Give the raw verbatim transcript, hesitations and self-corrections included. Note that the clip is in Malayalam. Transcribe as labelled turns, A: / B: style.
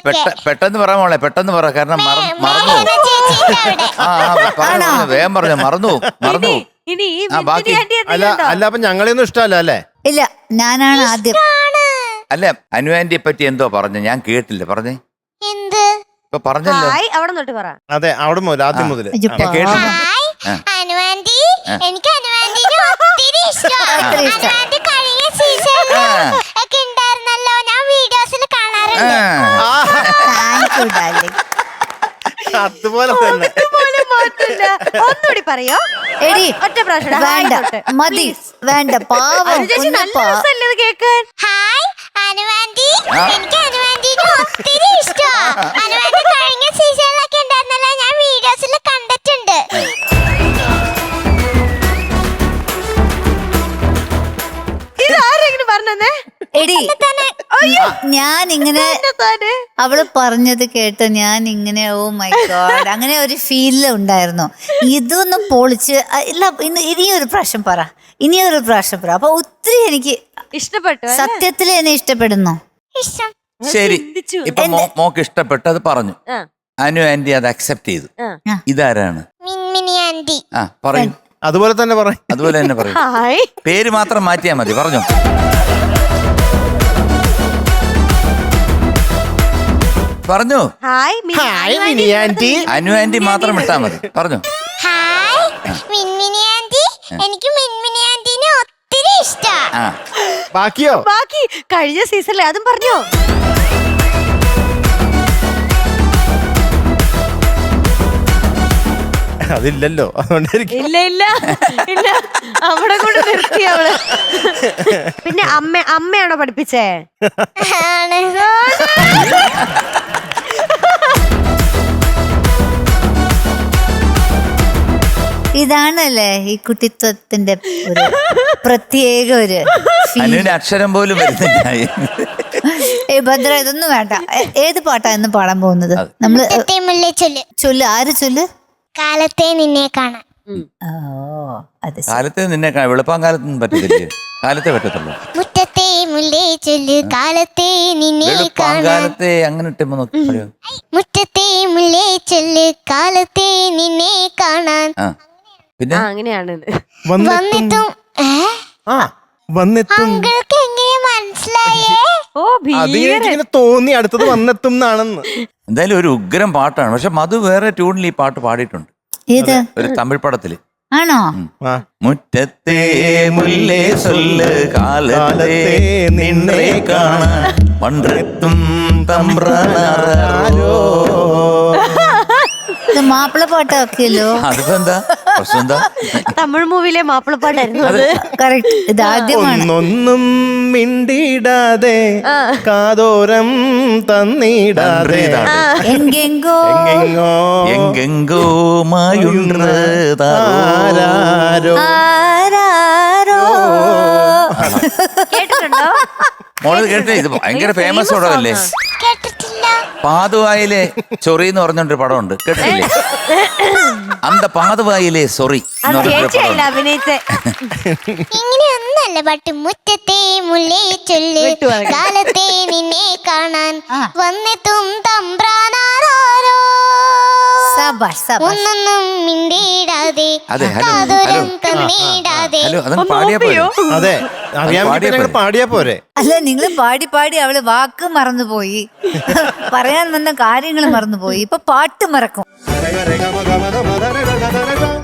A: പെട്ടെന്ന് പറ മോളെ, പെട്ടെന്ന് പറ, കാരണം മറന്നു. ആ വേഗം പറഞ്ഞു, മറന്നു മറന്നു.
B: അല്ല അല്ല അപ്പൊ ഞങ്ങളെയൊന്നും ഇഷ്ടമല്ല അല്ലേ?
C: ഇല്ല, ഞാനാണ് ആദ്യം.
A: അല്ല, അനു ആന്റിയെ പറ്റി എന്തോ പറഞ്ഞു, ഞാൻ കേട്ടില്ല. പറഞ്ഞേ ഇപ്പൊ പറഞ്ഞല്ലോ.
B: അതെ, അവിടെ മുതൽ ആദ്യം മുതൽ
A: കേട്ടില്ല.
D: എനിക്ക് അനുവാന്റിനെ ഒത്തിരി ഇഷ്ടമാണ്. അനുവാന്റി കഴിഞ്ഞ സീസണിൽ ഒക്കെ ഉണ്ടായിരുന്നല്ലോ, ഞാൻ വീഡിയോസിൽ കാണാറുണ്ട്.
B: അതുപോലെ തന്നെ.
E: ഒന്നുകൂടി പറയോ?
C: എടി വേണ്ട, മതി, വേണ്ട, പാവം
E: കേക്കാൻ.
D: ഹായ് അനുവാന്റി, എനിക്ക് അനുവാന്റിനെ ഒത്തിരി ഇഷ്ടമാണ്. അനുവാന്റി കഴിഞ്ഞ സീസണിലൊക്കെ ഉണ്ടായിരുന്നല്ലോ, ഞാൻ വീഡിയോസിൽ കണ്ടിട്ടുണ്ട്.
E: ഇതാരെങ്കിലും പറഞ്ഞേ?
C: എടി, ഞാൻ ഇങ്ങനെ അവള് പറഞ്ഞത് കേട്ട് ഞാൻ ഇങ്ങനെ ഓ മൈ ഗോഡ് അങ്ങനെ ഒരു ഫീല് ഉണ്ടായിരുന്നു. ഇതൊന്നും പൊളിച്ച് ഇല്ല, ഇന്ന് ഇനിയൊരു പ്രാവശ്യം പറ, ഇനിയൊരു പ്രാവശ്യം പറ. അപ്പൊ ഒത്തിരി എനിക്ക്
E: ഇഷ്ടപ്പെട്ടു,
C: സത്യത്തിൽ എന്നെ ഇഷ്ടപ്പെടുന്നു.
D: ഇഷ്ടം.
A: ശരി, ഇപ്പൊ മോക്ക് ഇഷ്ടപ്പെട്ടു, അത് പറഞ്ഞു. അനു ആന്റി അത് അക്സെപ്റ്റ് ചെയ്തു. ഇതാരാണ്?
D: മിൻമിനി ആന്റി.
A: ആ പറയും.
B: അതുപോലെ തന്നെ പറയും.
A: അതുപോലെ തന്നെ പറയും. പേര് മാത്രം മാറ്റിയാ മതി. പറഞ്ഞു. പറഞ്ഞു.
E: Hi
B: Mini aunty.
A: Anu aunty മാത്രം ഇട്ടാ മതി. പറഞ്ഞു.
D: ഹായ് മിൻമിനി ആന്റി, എനിക്ക് മിൻമിനി ആന്റിനെ ഒത്തിരി ഇഷ്ടമാണ്.
B: ബാക്കിയോ?
E: ബാക്കി കഴിഞ്ഞ സീസണിലെ അതും പറഞ്ഞോ?
B: അതില്ലല്ലോ, അതുകൊണ്ടായിരിക്കും.
E: ഇല്ല ഇല്ല ഇല്ല, അവിടെ കൊണ്ട് നിർത്തി അവള്. പിന്നെ അമ്മ അമ്മയാണോ പഠിപ്പിച്ചേ?
C: ഇതാണല്ലേ ഈ കുട്ടിത്വത്തിന്റെ ഒരു പ്രത്യേക ഒരു
A: അനുവിന് അക്ഷരം പോലും വരുന്നില്ല.
C: ഏ ഭദ്ര, ഇതൊന്നും വേണ്ട. ഏത് പാട്ടാ ഇന്ന് പാടാൻ പോകുന്നത്? നമ്മള് ചൊല്ല്. ആര് ചൊല്ല്?
D: കാലത്തെ നിന്നെ കാണാൻ.
C: ഓ, അത്
A: കാലത്തെ നിന്നെ കാണാൻ. വെളുപ്പാൻ കാലത്തൊന്നും പറ്റത്തില്ലേ? കാലത്തെ പറ്റത്തുള്ളൂ.
D: മുറ്റത്തെ മുല്ലേ ചൊല്ല്, കാലത്തെ നിന്നെ കാണാൻ.
A: കാലത്തെ അങ്ങനെ ഇട്ടുമ്പോ നോക്കി പറയോ.
D: മുറ്റത്തെ മുല്ലേ ചൊല്ല്, കാലത്തെ നിന്നെ കാണാൻ.
A: പിന്നെ
E: അങ്ങനെയാണ്
D: വന്നെത്തും.
B: ആ വന്നെത്തും.
D: അങ്കിൾക്ക് എങ്ങനെ മനസ്സിലായേ?
E: ഓ
B: അത് എനിക്കിങ്ങനെ തോന്നി അടുത്തത് വന്നെത്തും എന്നാണെന്ന്.
A: എന്തായാലും ഒരു ഉഗ്രം പാട്ടാണ്. പക്ഷെ മധു വേറെ ട്യൂണിൽ ഈ പാട്ട് പാടിയിട്ടുണ്ട്.
C: ഏത്?
A: ഒരു തമിഴ് പടത്തില്.
C: ആണോ?
A: മുറ്റത്തെ മുല്ലേ സൊല്ല്, കാലത്തെ നിന്നെ കാണാൻ പണ്ടെത്തും തമ്പ്രാനാരോ.
C: ഇത് മാപ്പിള പാട്ടൊക്കെയല്ലോ.
A: അതിപ്പോ എന്താ പ്രശ്നം? എന്താ
E: തമിഴ് മൂവിയിലെ മാപ്പിളപ്പാട്ടായിരുന്നു അത്.
C: കറക്റ്റ്. ഇത് ആദ്യമാണ്.
B: ഒന്നൊന്നും മിണ്ടിടാതെ കാതോരം തന്നിടാതെ
C: എങ്കെങ്കോ
B: എങ്ങെങ്ങോ
A: എങ്കെങ്കോ മായുണ്ടാരോ.
C: ആരാരോ.
E: കേട്ടിട്ടുണ്ടോ?
A: മോള് കേട്ടേ? ഇത് ഭയങ്കര ഫേമസ് പടമല്ലേ?
D: കേട്ടിട്ടില്ല.
A: പാതുവായിലെ ചൊറി എന്ന് പറഞ്ഞൊരു പടമുണ്ട്, കേട്ടിട്ടില്ലേ? അന്ത പാതുവായിലെ സൊറി എന്ന് പറഞ്ഞൊരു പടം.
E: അഭിനയിച്ചേ
D: ഇങ്ങനെയൊന്നല്ല പാട്ട്. മുറ്റത്തെ മുല്ലേ ചൊല്ല്, കാലത്തെ നിന്നെ കാണാൻ വന്നെത്തും തമ്പ്രാനാരോ. ഒന്നൊന്നും മിണ്ടിടാതെ കാതോരം തന്നിടാതെ.
A: ഹലോ, അതങ്ങ് പാടിയാ പോയോ?
B: അതെ, അറിയാൻ വേണ്ടി ഞങ്ങൾ പാടിയാ പോരെ?
C: അല്ല, നിങ്ങൾ പാടി പാടി അവള് വാക്ക് മറന്നുപോയി, പറയാൻ വന്ന കാര്യങ്ങൾ മറന്നുപോയി. ഇപ്പൊ പാട്ട് മറക്കും.